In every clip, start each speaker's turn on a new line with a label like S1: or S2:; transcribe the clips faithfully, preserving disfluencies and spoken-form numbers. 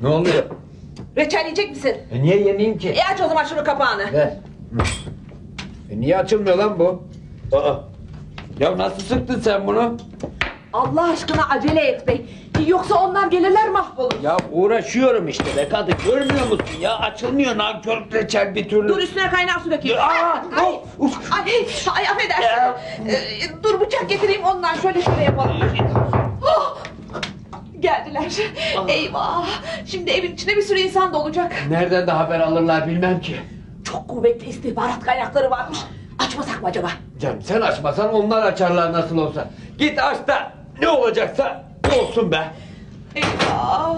S1: Ne oluyor?
S2: Reçel yiyecek misin?
S1: E niye yemeyeyim ki?
S2: E aç o zaman şunu kapağını.
S1: Ver. E niye açılmıyor lan bu? Aa. Ya nasıl sıktın sen bunu?
S2: Allah aşkına acele et bey. Yoksa onlar gelirler mahvolur.
S1: Ya uğraşıyorum işte be kadın, görmüyor musun ya? Açılmıyor nankör reçel bir türlü.
S2: Dur üstüne kaynar su dökeyim.
S1: Aa,
S2: ay,
S1: of, of.
S2: ay, ay, affedersin. Ee, dur bıçak getireyim ondan şöyle şöyle yapalım. Oh! Geldiler. Eyvah. Şimdi evin içinde bir sürü insan da olacak.
S1: Nereden de haber alırlar bilmem ki.
S2: Çok kuvvetli istihbarat kaynakları varmış. Açmasak mı acaba?
S1: Canım sen açmasan onlar açarlar nasıl olsa. Git aç da ne olacaksa olsun be.
S2: Eyvah.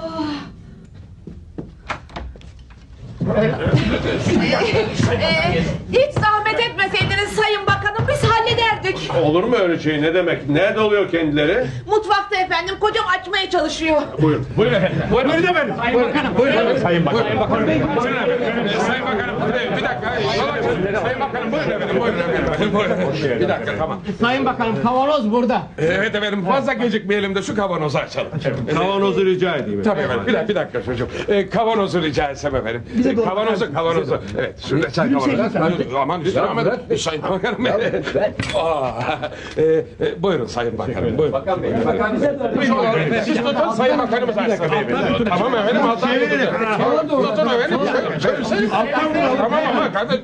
S2: Ee, hiç zahmet etmeseydiniz sayın bakanım biz hallederdik.
S3: Olur mu öyle şey, ne demek? Nerede oluyor kendileri?
S2: Mutfakta efendim, kocam açmaya çalışıyor.
S3: Buyurun.
S4: Buyurun efendim. Buyurun, buyurun efendim. Sayın Bakanım. Buyurun. Sayın Bakanım. Sayın Bakanım.
S5: Buyurun efendim. Sayın Bakanım, bir dakika. Sayın Bakanım, buyurun efendim, buyurun efendim. Buyurun. Bir dakika, tamam.
S4: Sayın Bakanım, kavanoz burada.
S5: Evet efendim, fazla gecikmeyelim de şu kavanozu açalım.
S3: Kavanozu rica edeyim.
S5: Tabii efendim, bir dakika, bir dakika çocuğum. Ee, kavanozu rica etsem efendim. Ee, kavanozu, kavanozu. Evet, şurada çay kavanozu. Aman lütfen, aman. Sayın Bakanım. Aa, e, e, buyurun Sayın Bakanım, buyurun.
S1: Bakan Bey, bakan bize
S5: Buyurun, siz tutun, Sayın Bakanımız açsın. Tamam efendim, alttan tutun. Tutun efendim. Tamam ama kardeş.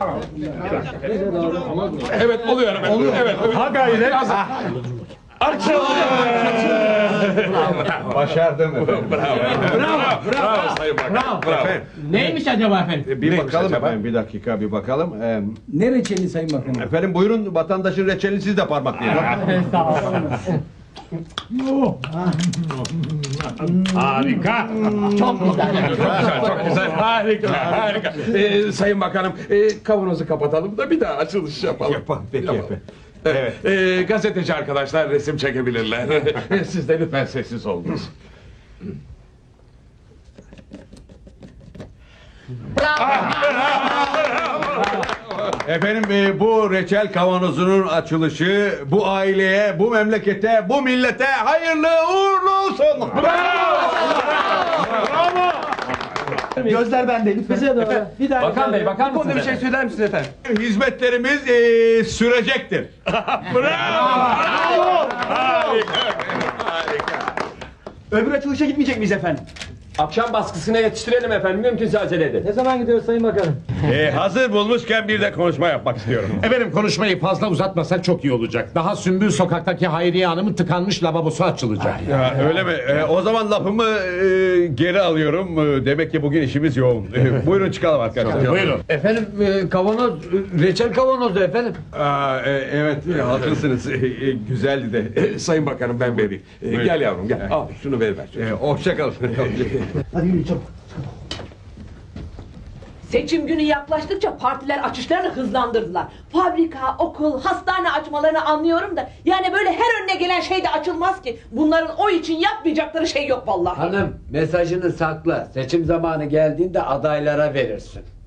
S5: Evet, oluyor efendim. Evet, evet.
S3: Ha gayret. Başardım efendim.
S5: Bravo, bravo, bravo Sayın Bakanım. Bravo.
S4: Neymiş acaba efendim?
S3: Bir
S5: Neymiş
S3: bakalım
S5: acaba?
S3: efendim, bir dakika bir bakalım. Ee,
S6: Ne reçeli Sayın Bakanım?
S3: efendim buyurun, vatandaşın reçelini siz de parmaklayın.
S4: Sağ olun.
S5: Harika.
S4: Çok güzel.
S5: Çok güzel, çok güzel. Harika, harika. Ee, Sayın Bakanım, e, kavanozu kapatalım da bir daha açılış yapalım.
S3: Yapalım, peki
S5: Yapalım.
S3: efendim.
S5: Evet. E, gazeteci arkadaşlar resim çekebilirler. Siz de lütfen sessiz olunuz.
S3: Efendim e, bu reçel kavanozunun açılışı bu aileye, bu memlekete, bu millete hayırlı uğurlu olsun.
S6: Gözler bende lütfen. Bize doğru. Bir daha.
S4: Bakan Bey, bakar mısınız?
S6: Bir şey söyler misiniz efendim?
S3: Hizmetlerimiz e, sürecektir.
S6: Öbür açılışa gitmeyecek miyiz efendim?
S1: Akşam baskısına yetiştirelim efendim, mümkünse acele edin.
S6: Ne zaman gidiyoruz Sayın Bakanım?
S3: E, hazır bulmuşken bir de konuşma yapmak istiyorum.
S7: Efendim konuşmayı fazla uzatmasak çok iyi olacak. Daha Sümbül sokaktaki Hayriye Hanım'ın tıkanmış lavabosu açılacak.
S3: Ya, öyle mi? E, o zaman lafımı e, geri alıyorum. E, demek ki bugün işimiz yoğun. E, buyurun çıkalım arkadaşlar.
S7: Buyurun.
S1: Efendim e, kavanoz, e, reçel kavanozu efendim.
S3: Aa, e, evet e, haklısınız. E, e, güzeldi de.
S5: E, Sayın Bakanım ben vereyim. E, gel yavrum gel. Al şunu ver ver.
S3: E, hoşça kalın.
S6: Hadi yürü çabuk.
S2: Seçim günü yaklaştıkça partiler açışlarını hızlandırdılar. Fabrika, okul, hastane açmalarını anlıyorum da yani böyle her önüne gelen şey de açılmaz ki. Bunların o için yapmayacakları şey yok vallahi.
S1: Hanım mesajını sakla. Seçim zamanı geldiğinde adaylara verirsin.